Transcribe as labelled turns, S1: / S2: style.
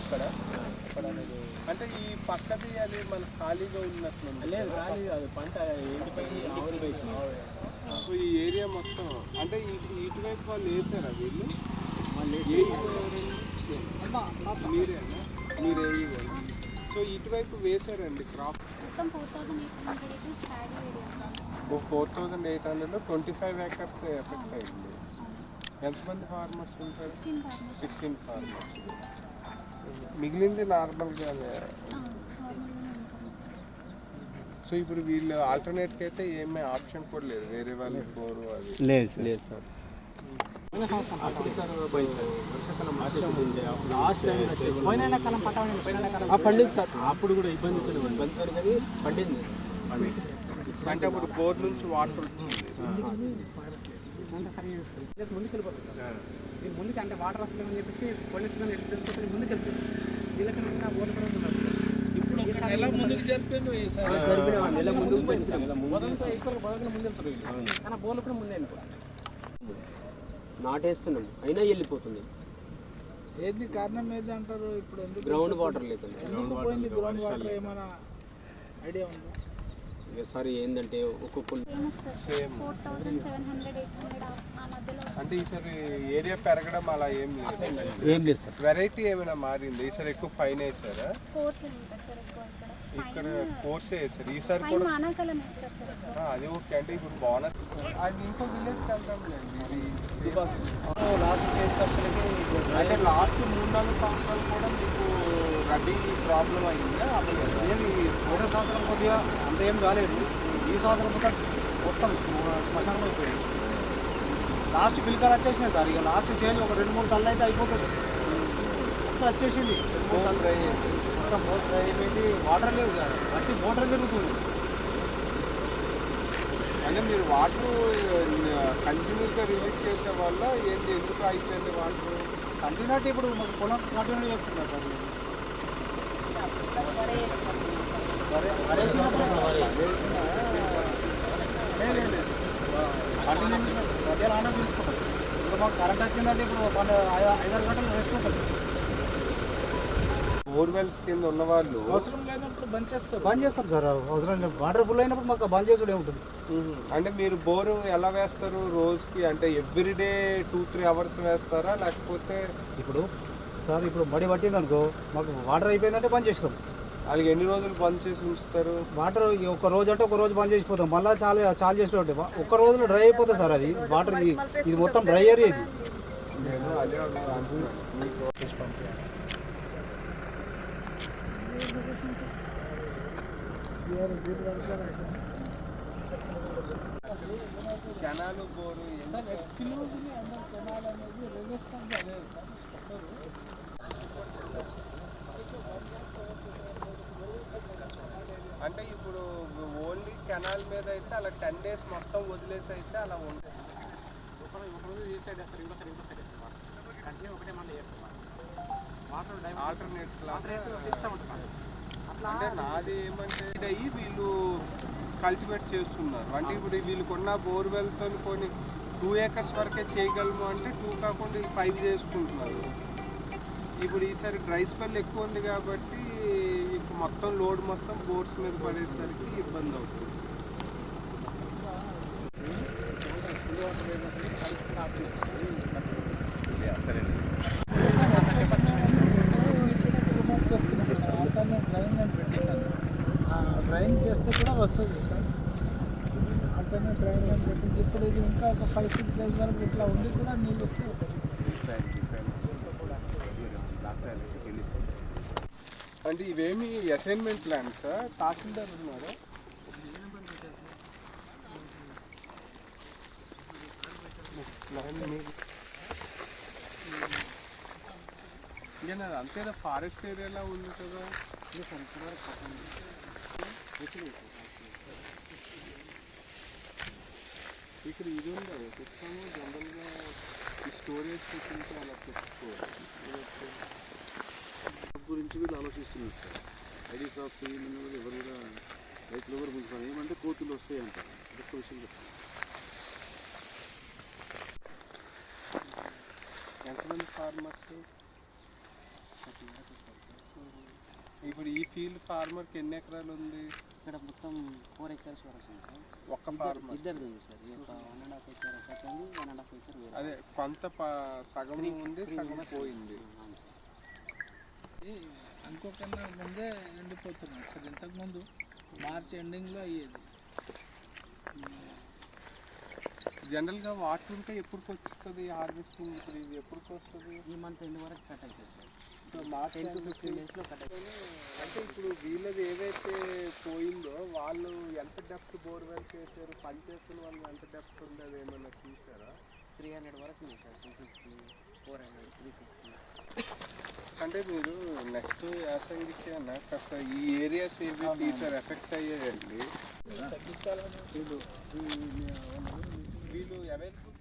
S1: అంటే ఈ పక్కది అది మన ఖాళీగా ఉన్నట్లుంది.
S2: లేదు ఖాళీ అది పంట ఎండిపోయి ఆవులు వేసి
S1: ఈ ఏరియా మొత్తం అంటే ఇటువైపు వాళ్ళు వేసారా వీళ్ళు? మీరేనా? మీరే. సో ఇటువైపు వేసారండి క్రాప్ 4,800 25 acres ఎఫెక్ట్ అయింది. ఎంతమంది ఫార్మర్స్ ఉంటారు? 16 ఫార్మర్స్. మిగిలింది నార్మల్గానే. సో ఇప్పుడు వీళ్ళు ఆల్టర్నేట్కి అయితే ఏమీ ఆప్షన్ కూడా లేదు, వేరే వాళ్ళకి బోరు అది
S2: లేదు సార్. పండింది సార్, అప్పుడు కూడా ఇబ్బంది పండింది.
S1: అంటే అప్పుడు బోర్ నుంచి వాటర్ వచ్చింది.
S2: ముందుకు వెళ్ళిపోతుంది ముందుకు, అంటే వాటర్ వస్తుందని చెప్పేసి పొల్యూషన్ తెలుసుకొని ముందుకు వెళ్తుంది. వీళ్ళకన్నా బోర్లు కూడా ఉన్నారు. ఇప్పుడు నెల ముందుకు జరిపిన నెల ముందు వెళ్తుంది కానీ బోర్లు కూడా ముందే నాటేస్తున్నాం అయినా వెళ్ళిపోతుంది.
S3: ఏది కారణం ఏది అంటారు? ఇప్పుడు
S2: గ్రౌండ్ వాటర్ లేదు.
S3: గ్రౌండ్ వాటర్ ఏమైనా ఐడియా ఉంది?
S2: సారీ ఏంటంటే ఒక్కొక్క
S1: అంటే ఈసారి ఏరియా పెరగడం అలా ఏం
S2: లేదు సార్.
S1: వెరైటీ ఏమైనా మారింది? ఈసారి ఎక్కువ ఫైన్ వేసారా? ఇక్కడ కోర్సే వేసారు ఈసారి కూడా. అది ఓకే. అంటే ఇప్పుడు బోనస్ అది ఇంకో విలేజ్కి వెళ్తాంలేండి. అంటే లాస్ట్ 3-4 సంవత్సరాలు కూడా మీకు రబీ ప్రాబ్లం అయిందా?
S2: ఏమి పోయిన సంవత్సరం కొద్దిగా అంత ఏం కాలేదు. ఈ సంవత్సరం మొత్తం శ్మశానం అయిపోయింది. లాస్ట్ పిలికలు వచ్చేసినాయి సార్. ఇక లాస్ట్ చేంజ్ ఒక 2-3 టన్నులు అయితే అయిపోతుంది. మొత్తం వచ్చేసింది. మొత్తం బోట్ డ్రై అయిపోయింది. వాటర్ లేవు సార్. బట్టి మోటార్ జరుగుతుంది.
S1: అంటే మీరు వాటర్ కంటిన్యూగా రిలీజ్ చేసే వల్ల ఏంటి, ఎందుకు అయిపోయింది వాటర్?
S2: కంటిన్యూటీ ఇప్పుడు మాకు పొలం కంటిన్యూ చేస్తున్నారు సార్. మధ్యాహ్నం ఆన తీసుకుంటాం. ఇప్పుడు మాకు కరెంట్ వచ్చిందంటే ఇప్పుడు 5-6 గంటలు రెస్ట్ ఉంటుంది.
S1: బోర్వెల్స్ కింద ఉన్న వాళ్ళు
S3: అవసరం లేనప్పుడు బంద్
S2: చేస్తాం సార్. అవసరం లేదు. వాటర్ ఫుల్ అయినప్పుడు మాకు బంద్ చేసుడు ఏముంటుంది.
S1: అంటే మీరు బోరు ఎలా వేస్తారు రోజుకి? అంటే ఎవ్రీడే 2-3 అవర్స్ వేస్తారా లేకపోతే?
S2: ఇప్పుడు సార్ ఇప్పుడు మడి పట్టింది అనుకో, మాకు వాటర్ అయిపోయిందంటే బంద్ చేస్తాం.
S1: అది ఎన్ని రోజులు బంద్ చేసి ఉంచుతారు?
S2: వాటర్ ఒక రోజు అంటే ఒక రోజు బంద్ చేసిపోతాం. మళ్ళీ చాలా చేస్తూ ఉంటే ఒక్క రోజులో డ్రై అయిపోతుంది సార్. అది వాటర్ ఇది మొత్తం డ్రై ఏరియా ఇది.
S1: నేను అదే కెనాలు బోరు అంటే ఇప్పుడు ఓన్లీ కెనాల్ మీద అయితే అలా 10 days మొత్తం వదిలేసి అయితే అలా ఉంటుంది. అంటే నాది ఏమంటే వీళ్ళు కల్టివేట్ చేస్తున్నారు. అంటే ఇప్పుడు వీళ్ళకున్న బోర్వెల్తో కొన్ని 2 acres వరకే చేయగలము అంటే 2 కాకుండా 5 చేసుకుంటున్నారు. ఇప్పుడు ఈసారి డ్రై స్పెల్ ఎక్కువ ఉంది కాబట్టి ఇప్పుడు మొత్తం లోడ్ మొత్తం బోర్స్ మీద పడేసరికి ఇబ్బంది అవుతుంది.
S3: డ్రైన్ చేస్తే కూడా వస్తుంది సార్. అంటేనే డ్రైన్ అని పెట్టింది. ఇప్పుడు ఇది ఇంకా ఒక 5-6 days వరకు ఇట్లా ఉండి కూడా నీళ్ళు వస్తే
S1: అంటే ఇవేమి అసైన్మెంట్ ప్లాన్స్ తహసీల్దార్ ఉన్నారా? అంతేనా? ఫారెస్ట్ ఏరియాలో ఉంది కదా. ఇక్కడ ఇది ఉందా చెప్తాము. జనరల్గా ఈ స్టోరేజ్ పెట్టుకుంటే అలా చెప్పుకోవాలి
S4: గురించి వీళ్ళు ఆలోచిస్తున్నారు సార్. ఐడి క్రాప్స్ ఏమన్నా కూడా ఎవరు కూడా రైతులు ఎవరు ముందుకు ఏమంటే కోతులు వస్తాయి అంటారు. ఒక్క విషయం చెప్తాను.
S1: ఎంతమంది ఫార్మర్స్? ఇప్పుడు ఈ ఫీల్డ్ ఫార్మర్కి ఎన్ని ఎకరాలు ఉంది?
S2: ఇక్కడ మొత్తం 4 acres వరకు ఉంది సార్.
S1: ఒక్క ఫార్మర్
S2: ఇద్దరిది ఉంది సార్. ఈ యొక్క 1.5 acre ఒకటి ఉంది, 1.5 acre వేరే.
S1: అదే కొంత సగం ఉంది, సగం పోయింది.
S2: అవును సార్.
S3: అనుకోకుండా ముందే ఎండిపోతున్నాయి సార్. ఇంతకుముందు మార్చ్ ఎండింగ్లో అయ్యేది.
S1: జనరల్గా వాటర్ ఉంటే ఎప్పటికి వస్తుంది హార్వెస్టింగ్? ఇప్పుడు ఇది ఎప్పటికి వస్తుంది?
S2: ఈ మంత్ ఎండ్ వరకు కట్ అవుతుంది సార్.
S1: సో మార్చ్
S2: 10 to 15 daysలో కట్ అవుతుంది.
S1: అంటే ఇప్పుడు వీళ్ళది ఏదైతే పోయిందో వాళ్ళు ఎంత డెప్త్ బోర్వెల్ చేశారు, పని చేస్తున్న వాళ్ళు ఎంత డెప్త్ ఉంది అది ఏమన్నా చూసారా?
S2: 300 వరకు ఉంది సార్. 250, 400, 350.
S1: అంటే మీరు నెక్స్ట్ యాసంగికి అన్న కాస్త ఈ ఏరియాస్ ఏవి తీసారు ఎఫెక్ట్ అయ్యాయండి? వీళ్ళు అవైలబుల్